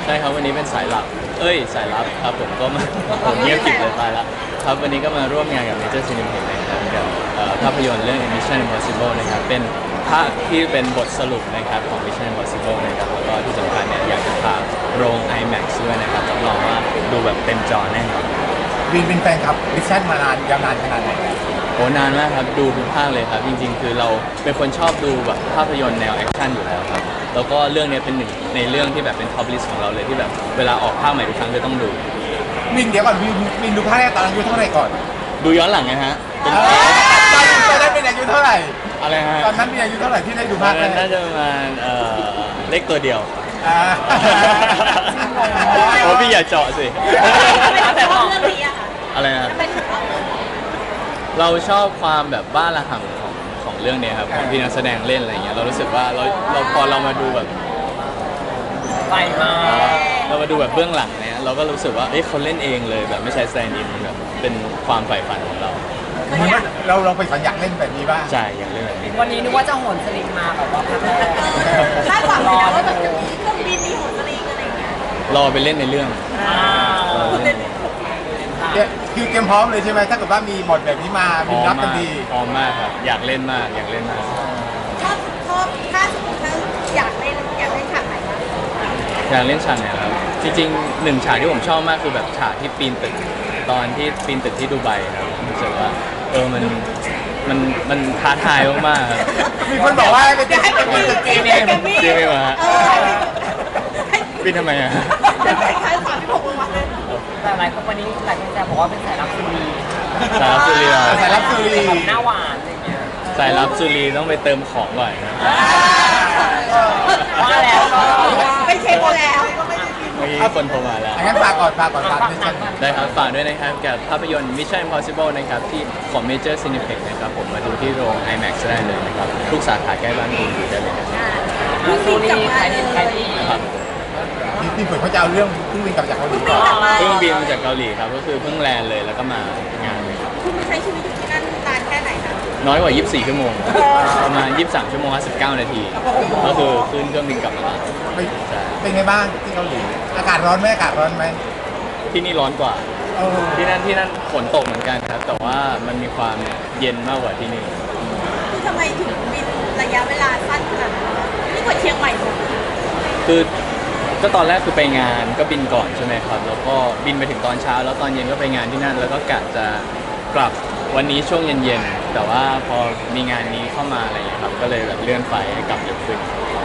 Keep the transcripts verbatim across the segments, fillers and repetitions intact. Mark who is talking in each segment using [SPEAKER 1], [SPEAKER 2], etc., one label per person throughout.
[SPEAKER 1] ช่ครับวันนี้เป็นสายลับเอ้ยสายลับครับผมก็มาผมเงียบกริบเลยตายละครับวันนี้ก็มาร่วมงานกับ Major Cineplex นะครับกับเอ่อภาพยนตร์เรื่อง Mission Impossible นะครับเป็นภาคที่เป็นบทสรุปนะครับของ Mission Impossible นะครับแล้วก็ที่สำคัญเนี่ยอยากจะพาโรง ไอแม็กซ์ ด้วยนะครับรับรองว่าดูแบบเต็มจอแน่นอน
[SPEAKER 2] วินเป็นแฟนคลับมิชชั่นมานานยาวนานขนาดไหน
[SPEAKER 1] โอ้นานมากครับดูทุกภาคเลยครับจริงๆ คือเราเป็นคนชอบดูแบบภาพยนตร์แนวแอคชั่นอยู่แล้วครับแล้วก็เรื่องนี้เป็นหนึ่งในเรื่องที่แบบเป็นท็อปลิสต์ของเราเลยที่แบบเวลาออกภาคใหม่ทุกครั้งจะต้องดู
[SPEAKER 2] วินเดี๋ยวก่อนวินวินดูภาคแรกตอนอายุเท่าไหร่ก่อน
[SPEAKER 1] ดูย้อนหลังนะฮะเป็น
[SPEAKER 2] ตอนตอนนั้นเป็นอายุเท่าไหร่
[SPEAKER 1] อะไรฮะ
[SPEAKER 2] ตอนนั้นเป็นอายุเท่าไหร่ที่ได้ดู
[SPEAKER 1] ตอ
[SPEAKER 2] ภาน คแร
[SPEAKER 1] นั้น
[SPEAKER 2] ก
[SPEAKER 1] น่าจะประมาณเอ่อเลขตัวเดียว
[SPEAKER 2] อ่า
[SPEAKER 1] โอ้พี่อย่าเจาะสิ
[SPEAKER 3] ทำไมถึงชอบเรื่องนี้อะคะ
[SPEAKER 1] อะไรนะ
[SPEAKER 3] ทำไมถึงชอบ
[SPEAKER 1] เราชอบความแบบบ้าระห่ำของของเรื่องเนี้ยครับของที่นักแสดงเล่นอะไรเงี้ยเรารู้สึกว่าเราเราพอเรามาดูแบบ
[SPEAKER 4] ไปมา
[SPEAKER 1] เรามาดูแบบเบื้องหลังเนี่ยเราก็รู้สึกว่าเอ้ยเขาเล่นเองเลยแบบไม่ใช่แซนดินแบบเป็นความใฝ่ฝันของเรา
[SPEAKER 2] เหมือนว่าเราเราไปฝันอยากเล่นแบบนี้บ้าง
[SPEAKER 1] ใช่อย่างเล่นแบบนี้
[SPEAKER 4] วันนี้นึกว่าจะโหนสลิงมาแบบว่าพักแรก
[SPEAKER 3] คาดหวังเลยนะว่าแบบจะมีเครื่องบินมีโหนสลิงอะไรอย่างเงี้ย
[SPEAKER 1] รอไปเล่นในเรื่อง
[SPEAKER 4] อ้าว
[SPEAKER 2] เนี่ยคือเตรียมพร้อมเลยใช่ไหมถ้าเกิดว่ามีบทแบบนี้มา
[SPEAKER 1] พ
[SPEAKER 2] วิ
[SPEAKER 1] ร้
[SPEAKER 2] น
[SPEAKER 1] อม
[SPEAKER 2] รับทั
[SPEAKER 1] มาน ก
[SPEAKER 2] ที
[SPEAKER 1] พร้อมมากครับอยากเล่นมากอยากเล่นมาก
[SPEAKER 3] ชอบชอบถ้าสมมติถ้าอยากเล่นอยากเล่นฉากไหนบ้าง
[SPEAKER 1] อยากเล่นฉากไหนครับจริงๆหนึ่งฉากที่ผมชอบมากคือแบบฉากที่ปีนตึกตอนที่ปีนตึกที่ดูไบครับรู้สึกว่าเออมันมันมันท้าทายมากๆครับ
[SPEAKER 2] มีคนบอกว่าเป็น
[SPEAKER 3] อยากให้มันมี
[SPEAKER 2] ตึก
[SPEAKER 3] จริง
[SPEAKER 2] เก
[SPEAKER 3] ๆ
[SPEAKER 2] ม
[SPEAKER 3] แกมมี่
[SPEAKER 1] จริงไหมวะ
[SPEAKER 3] เออให้
[SPEAKER 1] ปีนทำไมอ่ะ
[SPEAKER 3] ให้ใช้สามที่หกวันเลย
[SPEAKER 4] แต่หลายคนวันนี้หลายคนจะบอกว่าเป็นสายลับสุรี
[SPEAKER 1] สายลับสุรีเหรอ
[SPEAKER 2] สายลับสุรี
[SPEAKER 4] แบบหน้าหวานอะไรอย่างเงี้ย
[SPEAKER 1] สายลับสุรีต้องไปเติมของก่อนนะ
[SPEAKER 4] ว่าแล้วก็
[SPEAKER 3] ไปเช็คมาแล้ว
[SPEAKER 1] เมื่อกี้คนโทรมาแล้ว
[SPEAKER 2] งั้นฝากก่อนฝากก่อนฝากมิชชั่น
[SPEAKER 1] ได้ครับฝากด้วยนะครับกับภาพยนตร์ Mission Impossible นะครับที่ของ Major Cineplex นะครับผมมาดูที่โรง ไอแม็กซ์ ได้เลยนะครับทุกสาขาใกล้บ้านคุณดูได้เลยครับ
[SPEAKER 4] อ่าสุรีใครดีใครดี
[SPEAKER 1] ครับ
[SPEAKER 2] ที่ที่เปิดเขาจะเอาเรื่องเพิ่งวินกลับจากเกาหลีก่อน
[SPEAKER 1] เพิ่งบินมาจากเกาหลีครับก็คือเพิ่งแลนด์เลยแล้วก็มางานเลยครับ
[SPEAKER 3] คุณใช้ชีวิตอยู่ที่นั่นนานแค่ไหนคะ
[SPEAKER 1] น้อยกว่า ยี่สิบสี่ ชั่วโมงประมาณ ยี่สิบสาม ชั่วโมงห้าสิบเก้า นาที ก็คือขึ้นเครื่องบินกลับมา
[SPEAKER 2] ไปเป็นไงบ้างที่เกาหลี อากาศร้อนไหมอากาศร้อนไหม
[SPEAKER 1] ที่นี่ร้อนกว่า
[SPEAKER 2] เออ
[SPEAKER 1] ที่นั่นที่นั่นฝนตกเหมือนกันครับ แต่ว่ามันมีความเย็นมากกว่าที่นี่
[SPEAKER 3] คือทำไมถึงบินระยะเวลาสั้นขนาดนั้นนี่กว่าเชียงใหม่หมด
[SPEAKER 1] คือก็ตอนแรกคือไปงานก็บินก่อนใช่ไหมครับ แล้วก็บินไปถึงตอนเช้า แล้วตอนเย็นก็ไปงานที่นั่น แล้วก็กะจะกลับวันนี้ช่วงเย็นๆ แต่ว่าพอมีงานนี้เข้ามาอะไรอย่างเงี้ยครับ ก็เลยแบบเลื่อนไฟให้กลับเร็วขึ้น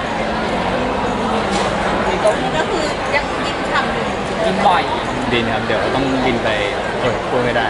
[SPEAKER 3] ก็คือยังยิงฉ่ำอยู่
[SPEAKER 4] กินบ่อย
[SPEAKER 1] บินครับ เดี๋ยวต้องบินไปเออพูดไม่ได้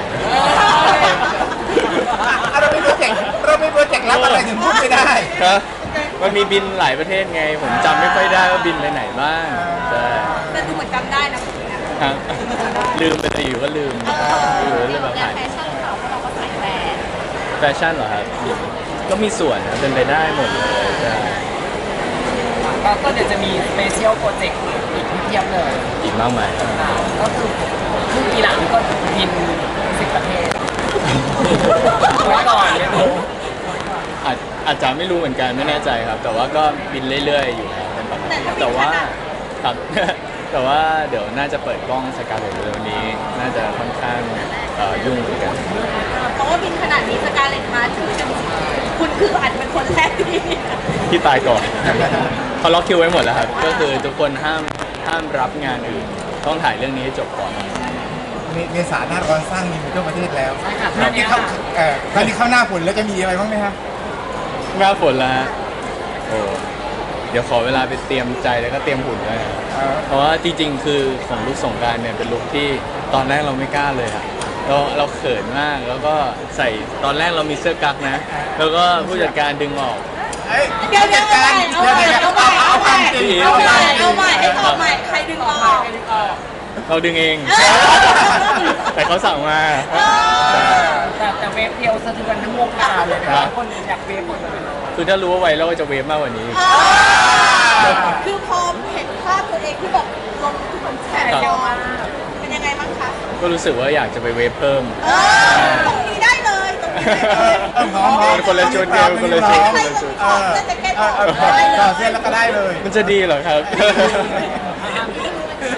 [SPEAKER 2] อ่ะเราไม่โปรเจกต์เราไม่โปรเจกต์รับอะไรถึงพูดไม่ได้
[SPEAKER 1] ครับมันมีบินหลายประเทศไง ผมจำไม่ค่อยได้ว่าบินไปไหนบ้างใช่
[SPEAKER 3] แต่ดูเหมือนจำได้นะคุณเนี่ย
[SPEAKER 1] ครับลืมไปเลยอยู่ก็ลืมอยู่ก็เลยแบบหาย
[SPEAKER 3] แฟชั่นเขาเพราะเราก็ใส่แบรนด์
[SPEAKER 1] แฟชั่นเหรอครับก็มีส่วนนะเป็นไปได้หมดเลยใช่
[SPEAKER 4] ก็ก็เดี๋ยวจะมีสเปเชียลโปรเจกต์อีกเพียบเลย
[SPEAKER 1] อีกมากมายครับ
[SPEAKER 4] อ่าก็คือครึ่งปีหลังก็บินสิบประเทศไว้ก่อนไม่รู้
[SPEAKER 1] อาจอาจจะไม่รู้เหมือนกันไม่แน่ใจครับ แต่ว่าก็บินเรื่อยๆอยู่แล้วเป็นปกติแต่ว่าครับ แต่ว่าเดี๋ยวน่าจะเปิดกล้องสกาเลตเร็วๆนี้ น่าจะค่อนข้างเอ่อยุ่งเหมือนกัน
[SPEAKER 3] เพราะว่าบินขนาดนี้สกาเลตมาถือเป็นคุณคืออาจจะเป็นคนแรกที่
[SPEAKER 1] ที่ตายก่อน เขาล็อกคิวไว้หมดแล้วครับ ก็คือทุกคนห้ามห้ามรับงานอื่น ต้องถ่ายเรื่องนี้ให้จบก่อน
[SPEAKER 2] เมเมษาหน้าร้อนสร้างมีทั่วประเทศแล้ว
[SPEAKER 4] ใช่ค่ะ
[SPEAKER 2] คราวนี้เข้าเอ่อคราวนี้เข้าหน้าฝนแล้วจะมีอะไรบ้างไหมครับ
[SPEAKER 1] หน้าฝนแล้วฮะโอ้เดี๋ยวขอเวลาไปเตรียมใจแล้วก็เตรียมหุ่นด้วยนะ
[SPEAKER 2] เออ
[SPEAKER 1] เพราะว่าจริงๆ คือของลุคสงกรานต์เนี่ยเป็นลุคที่ตอนแรกเราไม่กล้าเลยอะเราเราเขินมากแล้วก็ใส่ตอนแรกเรามีเสื้อกั๊กนะ แล้วก็ผู้จัดการดึงออก
[SPEAKER 2] เอ้ย
[SPEAKER 3] เดี๋ยวเดี๋ยว
[SPEAKER 2] จัด
[SPEAKER 3] เอา
[SPEAKER 2] การ
[SPEAKER 3] ใหม่
[SPEAKER 2] เดี๋ยว
[SPEAKER 3] เอาใหม่
[SPEAKER 2] เดี๋ยว
[SPEAKER 3] เอาใหม่
[SPEAKER 2] จริง
[SPEAKER 3] เอาใหม่
[SPEAKER 2] จริง
[SPEAKER 3] เอาใหม่ให้ตอบใหม่ใครดึงออก
[SPEAKER 1] เราดึงเอง แต่เขาสั่งมา
[SPEAKER 4] แต่แต่เวฟเดียวสะเทือนทั้งวงการเลยนะคนอยากเวฟหมดเลย
[SPEAKER 1] คือถ้ารู้ว่าไวรัลจะเวฟมากกว่านี้
[SPEAKER 3] คือพอเห็นภาพตัวเองที่แบบลงทุกคนแชร์เยอะมากเป็นยังไงบ้างคะ
[SPEAKER 1] ก็รู้สึกว่าอยากจะไปเวฟเพิ่ม
[SPEAKER 3] เออตรงนี้ได้เลยตรงนี้ได้เลย
[SPEAKER 2] เออพร้อมพร้อม
[SPEAKER 1] คนละชุดเดียวคนละชุด
[SPEAKER 2] เออเออเออต่อเสื้อแล้วก็ได้เลย
[SPEAKER 1] มันจะดีเหรอครับ
[SPEAKER 2] เ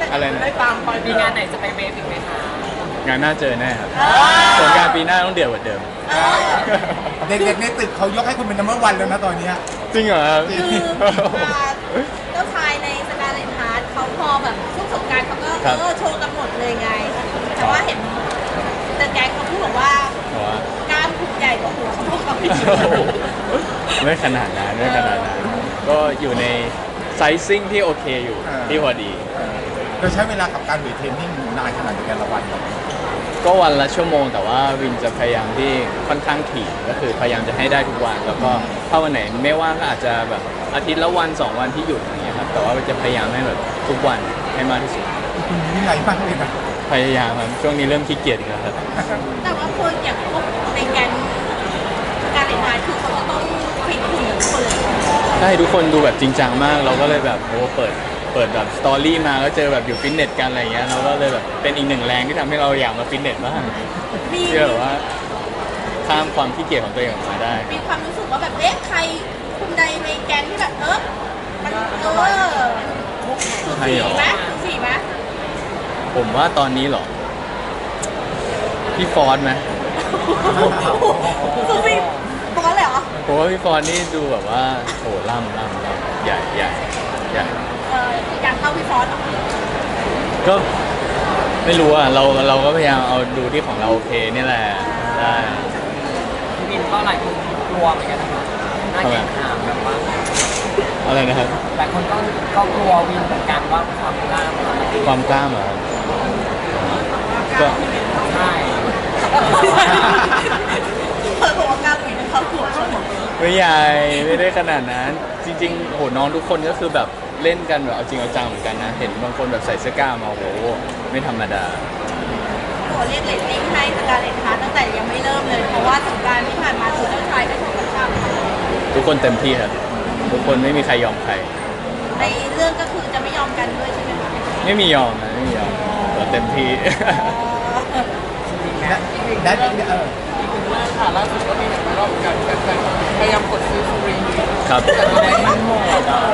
[SPEAKER 1] อะไรนะ
[SPEAKER 4] ได้ตามไปมีงานไหนจะไปเวฟอีกไหมคะ
[SPEAKER 1] งานหน้าเจอแน่ครับสงกรารปีหน้าต้องเดือดกว่าเดิม
[SPEAKER 2] เด็กๆในตึกเขายกให้คุณเป็นนัมเบอร์วันแล้วนะตอนเนี้ย
[SPEAKER 1] จริงเหรอครับ
[SPEAKER 3] คืออ่าเจ้าชายในสกาเลนฮาร์ดเขาพอแบบช่วงสงกรารเขาก็
[SPEAKER 1] ครับ
[SPEAKER 3] เออโชว์กันหมดเลยไง แต่ว่าเห็นแต่แกงเขาพูดบอกว่า
[SPEAKER 1] เพราะว่า
[SPEAKER 3] กล้ามคุณใหญ่กว่าหัวเขาพวกเขาอีก
[SPEAKER 1] ไม่ขนาดนั้นไม่ขนาดนั้นก็อยู่ในไซซิ่งที่โอเคอยู่ที่พอดี
[SPEAKER 2] เราใช้เวลากับการเวทเทรนนิ่งนานขนาดไหนแต่ละวันครับ
[SPEAKER 1] ก็วันละชั่วโมงแต่ว่าวินจะพยายามที่ค่อนข้างถี่ก็คือพยายามจะให้ได้ทุกวัน แล้วก็ถ้าวันไหนไม่ว่างก็อาจจะแบบอาทิตย์ละวันสองวันที่หยุดอย่างเงี้ยครับแต่ว่าจะพยายามให้แบบทุกวันให้มากที่สุด
[SPEAKER 2] คุณมีวินัยมากเลยนะ
[SPEAKER 1] พยายามครับช่วงนี้เริ่มขี้เกียจอีกแล้วครับ
[SPEAKER 3] แต่ว่าคนอย่างพวกในแกนการเล่นงานคือเขาจะต้องฟิตหุ่นทุกคนเลย
[SPEAKER 1] ใช่ทุกคนดูแบบจริงจังมาก เราก็เลยแบบโอ้เปิดเปิดแบบสตอรี่มาก็เจอแบบอยู่ฟิตเนสกันอะไรอย่างเงี้ยเราก็เลยแบบเป็นอีกหนึ่งแรงที่ทำให้เราอยากมาฟิตเนสบ้าง
[SPEAKER 3] มี
[SPEAKER 1] เชื่อแบบว่าข้ามความขี้เกียจของตัวเองออกมาได้
[SPEAKER 3] มีความรู้สึกว่าแบบเอ๊ะใครคุณใดในแกนที่แบบเออมันเออสูสีไหมสูสีไหม
[SPEAKER 1] ผมว่าตอนนี้เหรอพี่ฟอนต์ไหม
[SPEAKER 3] สูสีปกติเลยเหรอ
[SPEAKER 1] ผมว่าพี่ฟอนต์นี่ดูแบบว่าโหล่ำล่ำล่ำใหญ่ใหญ่ใหญ่
[SPEAKER 3] เอออยากเข้าพี่ฟอสเหรอ
[SPEAKER 1] ก็ไม่รู้อ่ะเราเราก็พยายามเอาดูที่ของเราโอเคนี่แหละได้
[SPEAKER 4] พี่บินก็หลายคนกลัวเหมือนกันนะคะน่าเกลียดถามแบบว่า
[SPEAKER 1] อะไรนะครับ
[SPEAKER 4] หลายคนก็ก็กลัววินเหมือนกันว่าความกล้ามัน
[SPEAKER 1] ความกล้ามเหรอครับก็
[SPEAKER 4] ใช่
[SPEAKER 3] เออบอกว่ากล้าปีนเข้าหัวเขาหมด
[SPEAKER 1] ไม่ใหญ่ไม่ได้ขนาดนั้น จริงๆโหน้องทุกคนก็คือแบบเล่นกันแบบเอาจริงเอาจังเหมือนกันนะเห็นบางคนแบบใส่เสื้อกล้ามมาโหไม่ธรรมดา
[SPEAKER 3] โหเรียกเรตติ้งให้สกาเลนฮาร์ดตั้งแต่ยังไม่เริ่มเลย เพราะว่าสงกรารที่ผ่านมาตัวเจ้าชายก็ถูกกระชาก
[SPEAKER 1] ทุกคนเต็มที่ครับทุกคนไม่มีใครยอมใคร
[SPEAKER 3] ในเรื่องก็คือจะไม่ยอมกันด้วยใช่ไหมคะ
[SPEAKER 1] ไม่มียอมนะไม่มียอมเราเต็มที่
[SPEAKER 2] และและเออ
[SPEAKER 4] ค่ะล่าสุดก็มีแบบรอบกันแต่พยายามกดซื้อฟรี
[SPEAKER 1] ครับ
[SPEAKER 4] แต่ไม่ได้หมด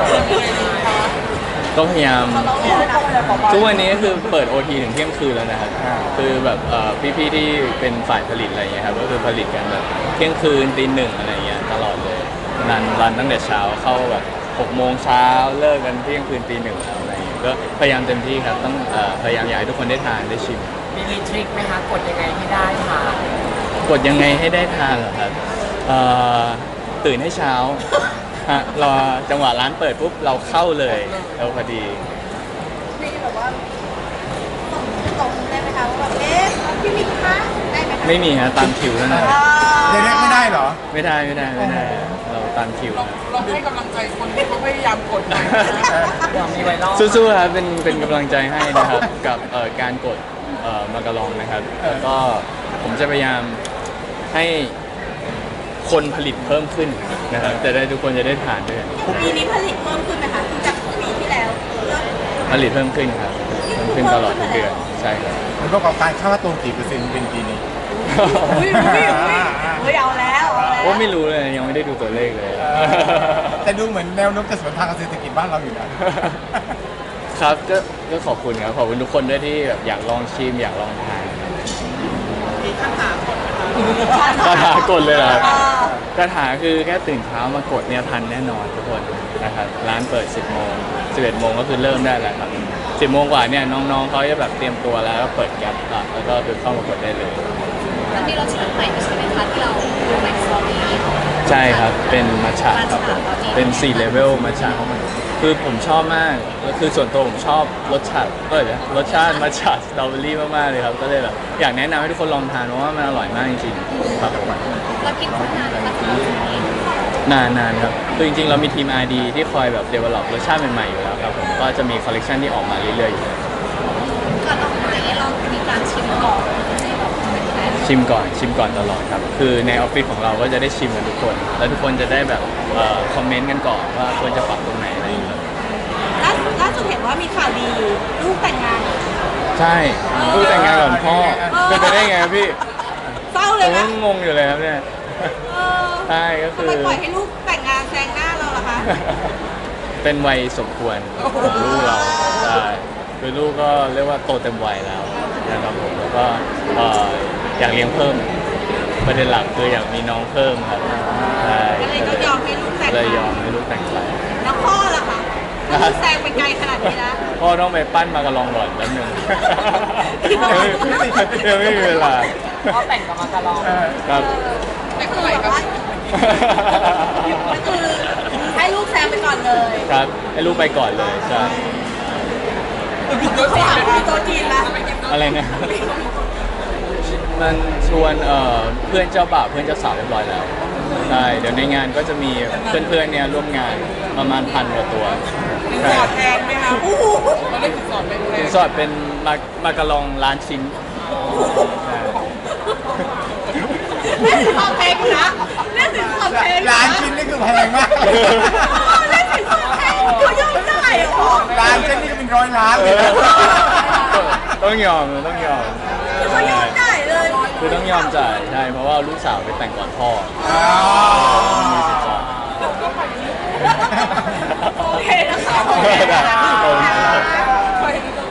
[SPEAKER 1] ก็พยายาม
[SPEAKER 3] เขาร้องเลยนะ
[SPEAKER 1] ทุกวันนี้ก็คือเปิด โอ ที ถึงเที่ยงคืนแล้วนะครับ คือแบบเอ่อพี่ๆที่เป็นฝ่ายผลิตอะไรเงี้ยครับ ก็คือผลิตกันแบบเที่ยงคืนตีหนึ่งอะไรเงี้ยตลอดเลยรันรันตั้งแต่เช้าเข้าแบบหกโมงเช้าเลิกกันเที่ยงคืนตีหนึ่งแล้วอะไรเงี้ย ก็พยายามเต็มที่ครับ ต้องเอ่อพยายามอยากให้ทุกคนได้ทานได้ชิม
[SPEAKER 4] มีมีทริคไหมคะกดยังไงให้ได้ค่ะ
[SPEAKER 1] กดยังไงให้ได้ทานเหรอครับเอ่อตื่นให้เช้าฮะรอจังหวะร้านเปิดปุ๊บเราเข้าเลยเราพอดี
[SPEAKER 3] มีแบบว่าส่งตรงได้ไหมคะว่าแบบเอ๊ะพี่มิกคะได้ไหมคะ
[SPEAKER 1] ไม่มีฮะตามคิวเท่านั้น
[SPEAKER 3] อ่า
[SPEAKER 2] เด็กๆไม่ได้เหรอ
[SPEAKER 1] ไม่ได้ไม่ได้ไม่ได้ เราตามคิวครับ
[SPEAKER 4] เราให้กำลังใจคนที่เขาพยายามกดหน่อยมีไวรัล
[SPEAKER 1] สู้ๆครับเป็นเป็นกำลังใจให้นะครับ กับเอ่อการกดเอ่อมากระลองนะครับแล้วก็ผมจะพยายามให้คนผลิตเพิ่มขึ้นนะครับจะได้ทุกคนจะได้ทานด้วย
[SPEAKER 3] ปีนี้ผลิตเพิ่มขึ้นไหมคะจากปีที่แล้วเริ่ม
[SPEAKER 1] ผลิตเพิ่มขึ้นครับเพิ่มขึ้นตลอดทุกเดือนใช่ครับ
[SPEAKER 2] มันประกอบการค่าตัวกี่เปอร์เซ็นต์เป็นปีนี้
[SPEAKER 3] อุ้ยอุ้ยอุ้ยอุ้ยเอาแล้วเอาแล้ว
[SPEAKER 1] โอ้ไม่รู้เลยยังไม่ได้ดูตัวเลขเลย
[SPEAKER 2] แต่ดูเหมือนแนวโน้มจะสวนทางกับเศรษฐกิจบ้านเราอยู่นะ
[SPEAKER 1] ครับก็ก็ขอบคุณครับขอบคุณทุกคนด้วยที่แบบอยากลองชิมอยากลองทาน
[SPEAKER 3] มีคาถากด
[SPEAKER 1] คาถากดเลยเหรอครับ
[SPEAKER 3] อ่า
[SPEAKER 1] คาถาคือแค่ตื่นเช้ามากดเนี่ยทันแน่นอนทุกคนนะครับร้านเปิด สิบโมง สิบเอ็ดโมงก็คือเริ่มได้แล้วครับ สิบโมงกว่าเนี่ยน้องๆเขาจะแบบเตรียมตัวแล้วก็เปิดแก๊ปอ่ะแล้วก็คือเข้ามากดได้เลย
[SPEAKER 5] แล้วมีรสชาติใหม่ใช่ไหมคะที่เราดูในสตอรี่
[SPEAKER 1] ใช่ครับเป็นมัทฉะครับผมเป็นสี่เลเวลมัทฉะคือผมชอบมากแล้วคือส่วนตัวผมชอบรสชาติเออเดี๋ยวรสชาติมัทฉะสตรอเบอรี่มากๆเลยครับก็เลยแบบอยากแนะนำให้ทุกคนลองทานเพราะว่ามันอร่อยมากจริงๆครับ
[SPEAKER 5] เรากินคนนานนะคะที่เรากิน
[SPEAKER 1] นานนานครับคือจริงๆ เรามีทีม อาร์ ดี ที่คอยแบบ develop รสชาติใหม่ๆ อยู่แล้วครับผม ก็จะมีคอลเลกชันที่ออกมาเรื่อยๆ อยู่แล้ว
[SPEAKER 5] ก่อนออกมาเนี่ยเรามีการชิมก่อนให้แบบเป็นแฟน
[SPEAKER 1] ชิมก่อน ชิมก่อนตลอดครับ คือในออฟฟิศของเราก็จะได้ชิมกันทุกคน แล้วทุกคนจะได้แบบเอ่อคอมเมนต์กันก่อนว่าควรจะปรับตรงไหนอะไรอย่างเงี้ย
[SPEAKER 3] ล่าสุดล่าสุดเห็นว่ามีข่าวดีลูกแต่งงาน
[SPEAKER 1] ใช่ลูกแต่งงานก่อนพ่อ
[SPEAKER 3] เออ
[SPEAKER 1] เป็นไปได้ไงครับพี่
[SPEAKER 3] เศร้า
[SPEAKER 1] ผ
[SPEAKER 3] เลย
[SPEAKER 1] ม
[SPEAKER 3] นะ
[SPEAKER 1] ก็งงอยู่เลยครับเนี่ย
[SPEAKER 3] เออ
[SPEAKER 1] ใช่ก็คือ
[SPEAKER 3] ทำไมปล่อยให้ลูกแต่งงานแซงหน้าเราล่ะคะ
[SPEAKER 1] เป็นวัยสมควรของลูกเราใช่คือลูกก็เรียกว่าโตเต็มวัยแล้วนะครับผมแล้วก็เอ่ออยากเลี้ยงเพิ่มประเด็นหลักคืออยากมีน้องเพิ่มครับใช่
[SPEAKER 3] ก็เลยต้องยอมให้ลูกแต่ง
[SPEAKER 1] เลยยอมให้ลูกแต่งไป
[SPEAKER 3] แล้วพ่อล่ะคะถ้าลูกแซงไปไกลขนาดนี้นะ
[SPEAKER 1] พ่อต้องไปปั้นมากระลองก่อนแล้วหนึ่ง
[SPEAKER 3] พี่
[SPEAKER 1] ยัง
[SPEAKER 3] น้อง
[SPEAKER 1] ไม่ยังไม่มีเวลา
[SPEAKER 4] เขาแต่งกับมาการอง
[SPEAKER 1] ครับ
[SPEAKER 3] แต่คือแบบว่าก็คือให้ลูกแซงไปก่อนเลย
[SPEAKER 1] ครับให้ลูกไปก่อนเลยใช่
[SPEAKER 3] เขาถามคุยโต๊ะจีนละ
[SPEAKER 1] อะไรนะมันชวนเอ่อเพื่อนเจ้าบ่าวเพื่อนเจ้าสาวเรียบร้อยแล้วใช่เดี๋ยวในงานก็จะมีเพื่อนๆเนี่ยร่วมงานประมาณพันกว่าตัว
[SPEAKER 3] สินสอดแพงไหมคะโอ้โห
[SPEAKER 4] เขาได้สินสอดเป็นแพ
[SPEAKER 1] สิ
[SPEAKER 4] ง
[SPEAKER 1] นสอดเป็นมามากระลองล้านชิ้นใช่
[SPEAKER 3] เล่นสินสอดแพงนะเล่นสินสอดแพงะ
[SPEAKER 2] ล้านชิ้นนี่คือแพงมาก
[SPEAKER 3] เล่นสินสอดแพงเขายอมได้เหรอ
[SPEAKER 2] ล้านชิ้นนี่ก็เป็นร้อยล้านเลยนะ
[SPEAKER 1] ต้องยอมต้องยอม
[SPEAKER 3] คือเขายอมได้เลย
[SPEAKER 1] คือต้องยอมจ่ายใช่เพราะว่าลูกสาวไปแต่งก่อนพ่อ
[SPEAKER 2] อ๋อ
[SPEAKER 1] มีสินสอด
[SPEAKER 3] โอเคนะคะโอเคนะคะ